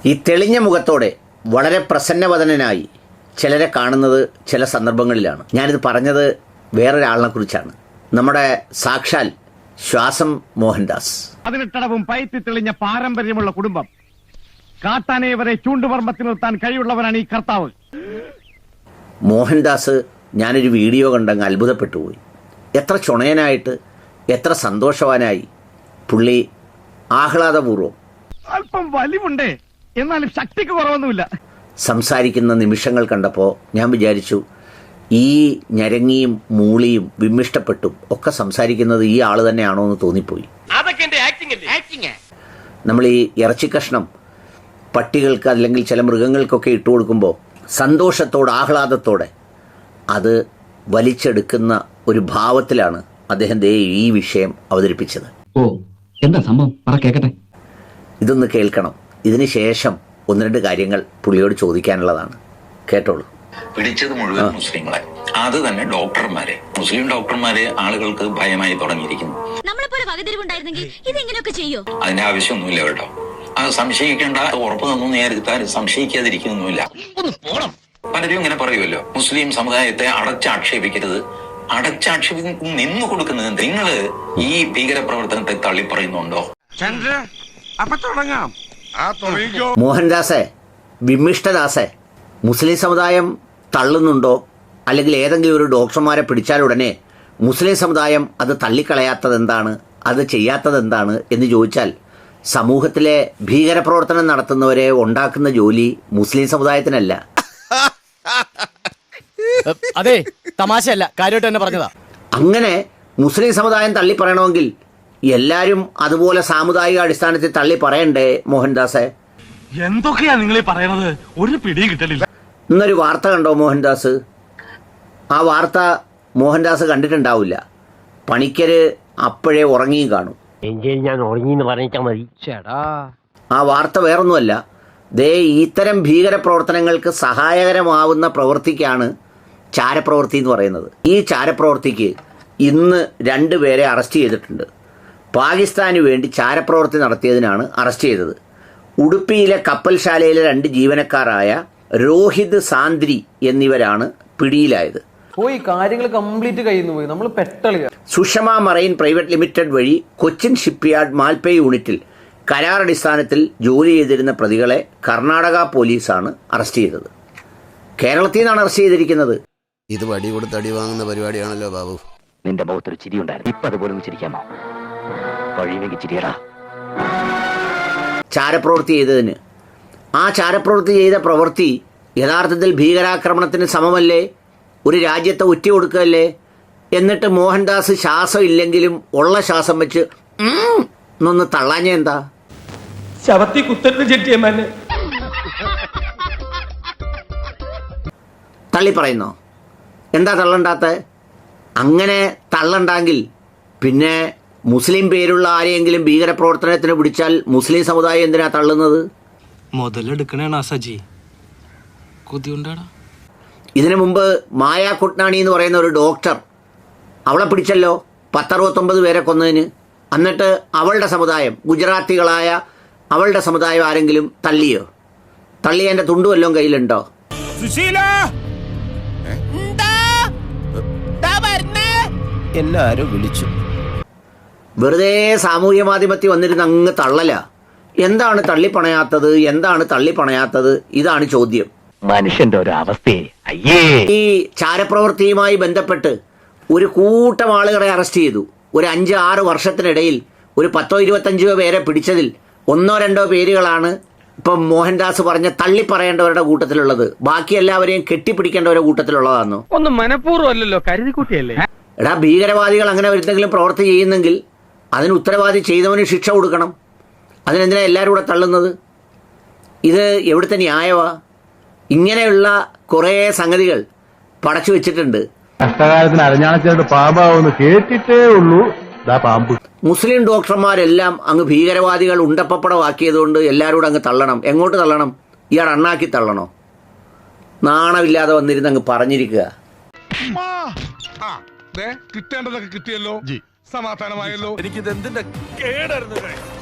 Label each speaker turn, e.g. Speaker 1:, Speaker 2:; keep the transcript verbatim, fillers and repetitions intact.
Speaker 1: ഈ തെളിഞ്ഞ മുഖത്തോടെ വളരെ പ്രസന്നവദനായി ചിലരെ കാണുന്നത് ചില സന്ദർഭങ്ങളിലാണ്. ഞാനിത് പറഞ്ഞത് വേറൊരാളിനെ കുറിച്ചാണ്. നമ്മുടെ സാക്ഷാൽ ശ്വാസം മോഹൻദാസ്.
Speaker 2: പതിനെട്ടടവും പയറ്റി തെളിഞ്ഞ പാരമ്പര്യമുള്ള കുടുംബം. കാട്ടാനെ വരെ ചൂണ്ടുപർമ്മത്തിൽ നിർത്താൻ കഴിവുള്ളവനാണ് ഈ കർത്താവ്.
Speaker 1: മോഹൻദാസ് ഞാനൊരു വീഡിയോ കണ്ടങ്ങ് അത്ഭുതപ്പെട്ടുപോയി. എത്ര ചുണയനായിട്ട്, എത്ര സന്തോഷവാനായി പുള്ളി ആഹ്ലാദപൂർവ്വം,
Speaker 2: അല്പം വലിവുണ്ടേ എന്നാലും ശക്തിക്ക് കുറവൊന്നുമില്ല, സംസാരിക്കുന്ന
Speaker 1: നിമിഷങ്ങൾ കണ്ടപ്പോൾ ഞാൻ വിചാരിച്ചു, ഈ ഞരങ്ങിയും മൂളിയും വിമ്മിഷ്ടപ്പെട്ടും ഒക്കെ സംസാരിക്കുന്നത് ഈ ആള് തന്നെയാണോ എന്ന് തോന്നിപ്പോയി. നമ്മൾ ഈ ഇറച്ചിക്കഷ്ണം പട്ടികൾക്ക് അല്ലെങ്കിൽ ചില മൃഗങ്ങൾക്കൊക്കെ ഇട്ടു കൊടുക്കുമ്പോൾ സന്തോഷത്തോടെ ആഹ്ലാദത്തോടെ അത് വലിച്ചെടുക്കുന്ന ഒരു ഭാവത്തിലാണ് അദ്ദേഹം ദേ ഈ വിഷയം അവതരിപ്പിച്ചത്.
Speaker 3: ഓ, എന്താ സംഭവം? പറ കേക്കട്ടെ.
Speaker 1: ഇതൊന്ന് കേൾക്കണം. ഇതിന് ശേഷം ഒന്ന് രണ്ട് കാര്യങ്ങൾ പുള്ളിയോട് ചോദിക്കാനുള്ളതാണ്. കേട്ടോളൂ.
Speaker 4: പിടിച്ചത് മുഴുവൻ മുസ്ലിങ്ങളെ, അത് തന്നെ ഡോക്ടർമാരെ, മുസ്ലിം ഡോക്ടർമാരെ ആളുകൾക്ക് ഭയമായി തുടങ്ങിയിരിക്കുന്നു. അതിന്റെ ആവശ്യമൊന്നുമില്ല കേട്ടോ. അത് സംശയിക്കേണ്ട, ഉറപ്പ് തന്നു നേരത്തെ സംശയിക്കാതിരിക്കുന്നില്ല. പലരും ഇങ്ങനെ പറയുമല്ലോ, മുസ്ലിം സമുദായത്തെ അടച്ചാക്ഷേപിക്കരുത്. അടച്ചാക്ഷേപിക്കും നിന്നു കൊടുക്കുന്നത് നിങ്ങള് ഈ ഭീകരപ്രവർത്തനത്തെ തള്ളിപ്പറയുന്നുണ്ടോ?
Speaker 1: മോഹൻദാസെ, വിമ്മിഷ്ടദാസെ, മുസ്ലിം സമുദായം തള്ളുന്നുണ്ടോ? അല്ലെങ്കിൽ ഏതെങ്കിലും ഒരു ഡോക്ടർമാരെ പിടിച്ചാൽ ഉടനെ മുസ്ലിം സമുദായം അത് തള്ളിക്കളയാത്തത് എന്താണ്, അത് ചെയ്യാത്തത് എന്താണ് എന്ന് ചോദിച്ചാൽ, സമൂഹത്തിലെ ഭീകരപ്രവർത്തനം നടത്തുന്നവരെ ഉണ്ടാക്കുന്ന ജോലി മുസ്ലിം സമുദായത്തിനല്ല.
Speaker 5: അതെ, തമാശയല്ല, കാര്യമായിട്ട് തന്നെ പറഞ്ഞതാ.
Speaker 1: അങ്ങനെ മുസ്ലിം സമുദായം തള്ളി പറയണമെങ്കിൽ എല്ലാരും അതുപോലെ സാമുദായിക അടിസ്ഥാനത്തിൽ തള്ളി പറയണ്ടേ മോഹൻദാസെ?
Speaker 2: എന്തൊക്കെയാ നിങ്ങൾ പറയണത്? ഒരു പിടി കിട്ടലില്ല.
Speaker 1: ഇന്നൊരു വാർത്ത കണ്ടോ മോഹൻദാസ്? ആ വാർത്ത മോഹൻദാസ് കണ്ടിട്ടുണ്ടാവില്ല. പണിക്കര് അപ്പോഴേ ഉറങ്ങിയും കാണും.
Speaker 6: ഞാൻ ഉറങ്ങിന്ന് പറഞ്ഞാൽ മതി.
Speaker 1: ആ വാർത്ത വേറൊന്നുമല്ല, ദേ ഇത്തരം ഭീകരപ്രവർത്തനങ്ങൾക്ക് സഹായകരമാവുന്ന പ്രവൃത്തിക്കാണ് ചാരപ്രവൃത്തി എന്ന് പറയുന്നത്. ഈ ചാരപ്രവൃത്തിക്ക് ഇന്ന് രണ്ട് പേരെ അറസ്റ്റ് ചെയ്തിട്ടുണ്ട്. പാകിസ്ഥാന് വേണ്ടി ചാരപ്രവൃത്തി നടത്തിയതിനാണ് അറസ്റ്റ് ചെയ്തത്. ഉടുപ്പിയിലെ കപ്പൽശാലയിലെ രണ്ട് ജീവനക്കാരായ രോഹിത് സാന്ദ്രി എന്നിവരാണ് പിടിയിലായത്.
Speaker 7: പോയി കാര്യങ്ങൾ കംപ്ലീറ്റ് കഴിയുന്നു പോയി നമ്മൾ പെട്ടളിയ.
Speaker 1: സുഷമ മറൈൻ പ്രൈവറ്റ് ലിമിറ്റഡ് വഴി കൊച്ചിൻ ഷിപ്പ്യാർഡ് മാൽപ്പേ യൂണിറ്റിൽ കരാറടിസ്ഥാനത്തിൽ ജോലി ചെയ്തിരുന്ന പ്രതികളെ കർണാടക പോലീസാണ് അറസ്റ്റ് ചെയ്തത്. കേരളത്തിൽ നിന്നാണ് അറസ്റ്റ് ചെയ്തിരിക്കുന്നത്.
Speaker 8: ഇത് വടി കൊടുത്ത് അടി വാങ്ങുന്ന പരിപാടിയാണല്ലോ ബാബു.
Speaker 6: നിന്റെ മുഖത്തൊരു ചിരി ഉണ്ടായിരുന്നു, ഇപ്പൊ അതുപോലെ ഒന്ന് ചിരിക്കാമോ? കഴിയുമെങ്കിൽ ചിരിയടാ.
Speaker 1: ചാരപ്രവൃത്തി ചെയ്തതിന്, ആ ചാരപ്രവൃത്തി ചെയ്ത പ്രവൃത്തി യഥാർത്ഥത്തിൽ ഭീകരാക്രമണത്തിന് സമമല്ലേ? ഒരു രാജ്യത്തെ ഒറ്റ കൊടുക്കുകയല്ലേ? എന്നിട്ട് മോഹൻദാസ് ശ്വാസം ഇല്ലെങ്കിലും ഉള്ള ശ്വാസം വെച്ച് എന്നൊന്ന് തള്ളാഞ്ഞ എന്താ?
Speaker 7: ശവത്തി കുത്തരുത് ചെട്ടിയമ്മനെ
Speaker 1: തള്ളി പറയുന്നോ? എന്താ തള്ളണ്ടാത്ത? അങ്ങനെ തള്ളണ്ടെങ്കിൽ പിന്നെ മുസ്ലിം പേരുള്ള ആരെയെങ്കിലും ഭീകരപ്രവർത്തനത്തിന് പിടിച്ചാൽ മുസ്ലിം സമുദായം എന്തിനാ തള്ളുന്നത്?
Speaker 5: മുതലെടുക്കണേണ സജി, കൊതിയുണ്ടാടാ.
Speaker 1: ഇതിനു മുമ്പ് മായ കുട്നാണി എന്ന് പറയുന്ന ഒരു ഡോക്ടർ, അവളെ പിടിച്ചല്ലോ പത്തറുപത്തൊമ്പത് പേരെ കൊന്നതിന്. എന്നിട്ട് അവളുടെ സമുദായം, ഗുജറാത്തികളായ അവളുടെ സമുദായം ആരെങ്കിലും തള്ളിയോ? തള്ളിയതിൻ്റെ തുണ്ടു വല്ലതും കയ്യിലുണ്ടോ?
Speaker 8: എല്ലാരും വിളിച്ചു.
Speaker 1: വെറുതെ സാമൂഹ്യ മാധ്യമത്തിൽ വന്നിരുന്ന് അങ്ങ് തള്ളല. എന്താണ് തള്ളിപ്പണയാത്തത്? എന്താണ് തള്ളിപ്പണയാത്തത്? ഇതാണ് ചോദ്യം.
Speaker 6: മനുഷ്യന്റെ ഒരു അവസ്ഥയെ.
Speaker 1: ഈ ചാരപ്രവൃത്തിയുമായി ബന്ധപ്പെട്ട് ഒരു കൂട്ടം ആളുകളെ അറസ്റ്റ് ചെയ്തു. ഒരു അഞ്ച് ആറ് വർഷത്തിനിടയിൽ ഒരു പത്തോ ഇരുപത്തഞ്ചോ പേരെ പിടിച്ചതിൽ ഒന്നോ രണ്ടോ പേരുകളാണ് ഇപ്പം മോഹൻദാസ് പറഞ്ഞ തള്ളിപ്പറയേണ്ടവരുടെ കൂട്ടത്തിലുള്ളത്. ബാക്കി എല്ലാവരെയും കെട്ടിപ്പിടിക്കേണ്ടവരുടെ കൂട്ടത്തിലുള്ളതാണോ?
Speaker 7: ഒന്നും മനഃപൂർവ്വം അല്ലല്ലോ, കരുതിക്കൂട്ടിയല്ലേ.
Speaker 1: എടാ, ഭീകരവാദികൾ അങ്ങനെ എന്തെങ്കിലും പ്രവൃത്തി ചെയ്യുന്നെങ്കിൽ അതിന് ഉത്തരവാദി ചെയ്തവന് ശിക്ഷ കൊടുക്കണം. അതിനെന്തിനാ എല്ലാവരും കൂടെ തള്ളുന്നത്? ഇത് എവിടുത്തെ ന്യായമാ? ഇങ്ങനെയുള്ള കുറേ സംഗതികൾ പടച്ചു വെച്ചിട്ടുണ്ട്.
Speaker 9: കഷ്ടകാലത്തിന് അരഞ്ഞാണച്ചേട്ട് പാമ്പാവെന്ന് കേട്ടിട്ടേ ഉള്ളൂ. പാമ്പ്
Speaker 1: മുസ്ലിം ഡോക്ടർമാരെല്ലാം അങ്ങ് ഭീകരവാദികൾ ഉണ്ടപ്പപ്പടമാക്കിയതുകൊണ്ട് എല്ലാവരും കൂടെ അങ്ങ് തള്ളണം. എങ്ങോട്ട് തള്ളണം? ഇയാൾ അണ്ണാക്കി തള്ളണോ? നാണമില്ലാതെ വന്നിരുന്ന് അങ്ങ് പറഞ്ഞിരിക്കുക.
Speaker 9: കിട്ടേണ്ടതൊക്കെ കിട്ടിയല്ലോ, സമാധാനമായല്ലോ. എനിക്കിത് എന്തിന്റെ കേടായിരുന്നു.